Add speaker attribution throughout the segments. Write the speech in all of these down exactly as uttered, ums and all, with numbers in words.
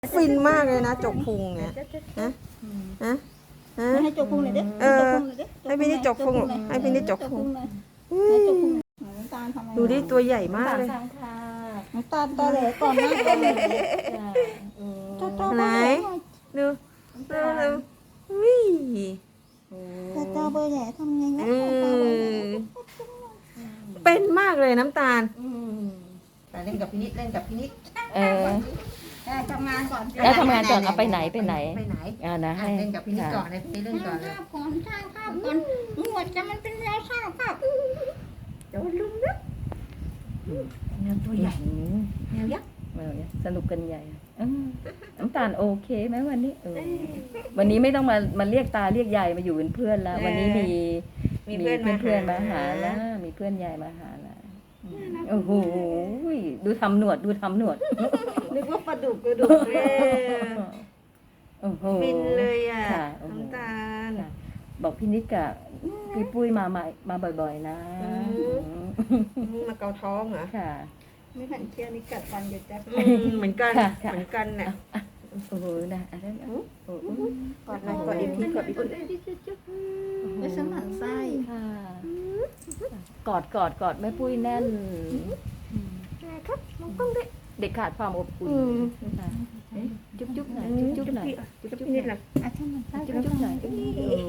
Speaker 1: ฟินมากเลยนะจกพุงเนี่ยนะนะนะ
Speaker 2: ให้จกพุงหน่อยดิ
Speaker 1: เออให้พี่นี่จกพุงให้พี่นี่จกพุง
Speaker 2: ให้จกพุงน้ำตาลทำไม
Speaker 1: ดูดิตัวใหญ่มากเลย
Speaker 3: สามค่ะ
Speaker 2: น้ำตาลตอแหลก่อนนะก่อนเลยตอตอ
Speaker 1: ไหนดูดูดูวิ่
Speaker 2: ตอตอเบอร์แหลทำไงนะ
Speaker 1: เออเป็นมากเลยน้ำตาลแต่เล่นกับพี่นิดเล่นกับพี่นิด
Speaker 3: เออ
Speaker 2: ทำงานก่อน
Speaker 3: แล้วทำงานก่อนเอาไปไหนไปไหน
Speaker 1: ไปไหน
Speaker 3: อ่านะให้
Speaker 1: เล่นกับพี่นิดก่อนเลยพี่นิดเล่นก่อนเลย
Speaker 2: ข้าวก่อนสร้างข้าวก่อนหนวดจะมันเป็นแนวสร้างข้าว
Speaker 1: เดี๋ยวลุงนะแนวตัวใหญ่แนวยักษ์
Speaker 3: เออสนุกกันใหญ่อืมน้ำตาลโอเคไหมวันนี้เออวันนี้ไม่ต้องมามาเรียกตาเรียกยายมาอยู่เป็นเพื่อนแล้ว วันนี้มี
Speaker 1: มีเพื่อนมา
Speaker 3: เพื่อนๆมาหาแล้วมีเพื่อนยายมาหาแล้วโอ้โหดูทำหนวดดูทำหนวด
Speaker 1: นึกว่าปลาดุกกระดูกเลย
Speaker 3: โอ้โห
Speaker 1: ฟินเลยอ่ะ
Speaker 3: ค่ะโอ้โห
Speaker 1: น้ำตาล
Speaker 3: ค่ะบอกพี่นิดกับพี่ปุ้ยมามามาบ่อยๆนะ
Speaker 1: อืม มาเกาท้องเหรอ
Speaker 3: ค่ะ
Speaker 2: ไม่หันเคี้ยวนี่กัดฟันอยู่จ้ะ
Speaker 1: อืมเหมือนกัน
Speaker 3: ค่ะค่ะ
Speaker 1: เหมือนกันเนี่ย
Speaker 3: โอ้โหนะอะไรนะโอ้โห
Speaker 1: กอดหน่อยกอดอีกทีกอดอีกที
Speaker 2: ไม่สมันไส้
Speaker 3: ค่ะกอดกอดกอดแม่ปุ้ยแน่น
Speaker 1: ครับมองกล้องด้วย
Speaker 3: เด็กขาดความอบอุ่น
Speaker 1: อืม
Speaker 3: ค่ะจุ๊บจุ๊บหน่อยจุ๊บจุ๊บหน่อย
Speaker 1: จุ๊บจุ๊บนิดหน่อย
Speaker 2: อ่ะถ้ามันไส้
Speaker 3: จุ๊บจุ๊บหน่อยโอ้โห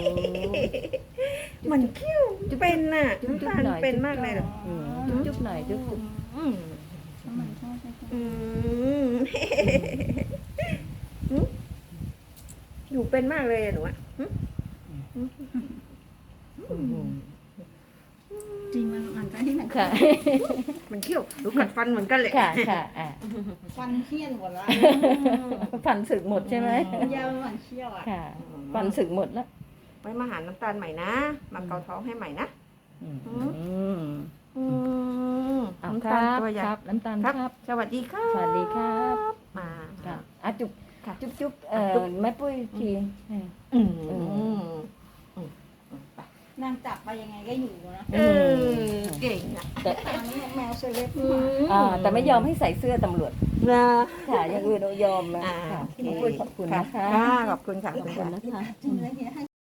Speaker 1: เหมือนคิ้วเป็นน่ะ
Speaker 3: จุ๊บจุ๊
Speaker 1: น้ำ
Speaker 3: บ
Speaker 1: ตาล
Speaker 3: หน่อย
Speaker 1: เป็นมากเลยเหรอ
Speaker 3: อืมจุ๊บจุ๊บหน่อยจุ๊บจุ๊บ
Speaker 1: อืม
Speaker 2: สมันไส้ใช่ไหม
Speaker 1: อืมหึอยู่เป็นมากเลยอะหนูอะหึ
Speaker 2: จริงมันมันไส้ที่ไหน
Speaker 3: ค่ะ
Speaker 1: มันเขี้ยวดูกัดฟันเหมือนกันเลย
Speaker 3: ค่ะค่ะอ่ะ
Speaker 2: ฟันเคี้ยนหมดแล้ว
Speaker 3: ฟันสึกหมดใช่ไหม
Speaker 2: ยาวเหมือนเคี้ยวอ่ะ
Speaker 3: ค่ะฟันสึกหมดแล้ว
Speaker 1: ไว้มาหาน้ำตาลใหม่นะ มาเกาท้องให้ใหม่นะ
Speaker 3: อืม
Speaker 1: อืม
Speaker 3: เอา
Speaker 1: น้ำ
Speaker 3: ค
Speaker 1: ตา
Speaker 3: รั
Speaker 1: ล
Speaker 3: บ
Speaker 1: ตัวใหญ่
Speaker 3: ครับน้ำตาล
Speaker 1: ครับ
Speaker 3: ครับ
Speaker 1: สวัสดีครับ
Speaker 3: สวัสดีครับ
Speaker 1: มา
Speaker 3: ค่ะอ่ะจุ๊บ
Speaker 1: ค่ะ
Speaker 3: จุ๊บจุ๊บเอ่อแม่ปุ้ยที
Speaker 1: อืม
Speaker 3: อืม
Speaker 2: นางจับไปยังไงก็อยู่นะ
Speaker 1: เออเก่งอ่ะ
Speaker 3: แต่
Speaker 2: อันนี้แมวเซเล็บ
Speaker 3: อ่าแต่ไม่ยอมให้ใส่เสื้อตำรวจ
Speaker 1: นะ
Speaker 3: ค่ะอย่างอื่นเรายอมนะ
Speaker 1: อ่า
Speaker 3: ค่ะ
Speaker 1: โอเค
Speaker 3: แม่ปุ้ยขอบคุณนะคะ
Speaker 1: ค่ะขอบคุณค่ะขอบ
Speaker 3: ขอบ
Speaker 1: คุณ
Speaker 3: คุณ
Speaker 1: ค่ะ
Speaker 3: นะคะ
Speaker 2: จริงเลยเฮียให้